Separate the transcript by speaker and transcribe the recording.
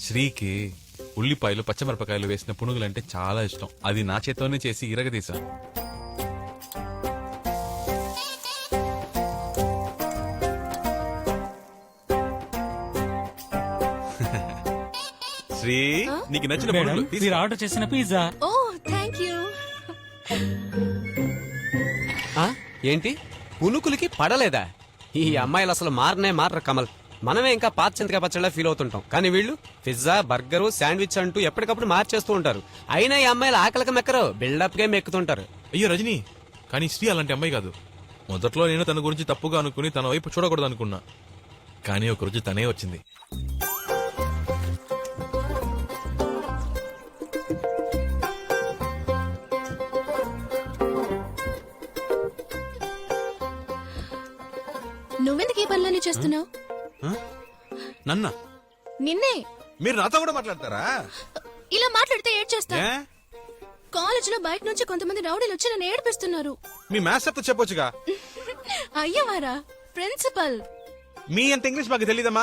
Speaker 1: శ్రీకి ఉల్లిపాయలు పచ్చమిరపకాయలు వేసిన పునుగులంటే చాలా ఇష్టం. అది నా చేత్తోనే చేసి ఇరగదీసా. శ్రీ నీకు నచ్చిన పునుగులు తీసుకో.
Speaker 2: మీరు ఆర్డర్ చేసిన పిజ్జా.
Speaker 3: Oh thank you.
Speaker 4: ఏంటి పునుకులకి పడలేదా? ఈ అమ్మాయిలు అసలు మారరు కమల్. మనమే ఇంకా పాత చింతకాయ పచ్చళ్ళ ఫీల్ అవుతుంటాం, కానీ వీళ్ళు పిజ్జా, బర్గరు, శాండ్విచ్ అంటూ ఎప్పటికప్పుడు మార్చేస్తూ ఉంటారు. అయినా ఈ అమ్మాయిలు ఆకలికి మెక్కరు, బిల్డప్ గా మెక్కుతుంటారు.
Speaker 1: అయ్యో రజనీ, కానీ శ్రీ అలాంటి అమ్మాయి కాదు. మొదట్లో నేను తన గురించి తప్పుగా అనుకుని తన వైపు చూడకూడదు అనుకున్నా, కానీ ఒకరోజు తనే వచ్చింది.
Speaker 3: నువ్వెందుకు ఈ పనులన్నీ చేస్తున్నావు?
Speaker 1: నన్న
Speaker 3: నిన్నే.
Speaker 1: మీరు నాతో కూడా మాట్లాడతారా?
Speaker 3: ఇలా మాట్లాడితే ఏడ్ చేస్తా. కాలేజ్ లో బయట నుంచి కొంతమంది రౌడీలు వచ్చి నన్ను ఏడిపిస్తున్నారు.
Speaker 1: మీ మ్యాథ్స్ చెప్తే చెప్పొచ్చుగా.
Speaker 3: అయ్యవారా ప్రిన్సిపల్.
Speaker 1: మీ అంత ఇంగ్లీష్ మాకు తెలీదమ్మా.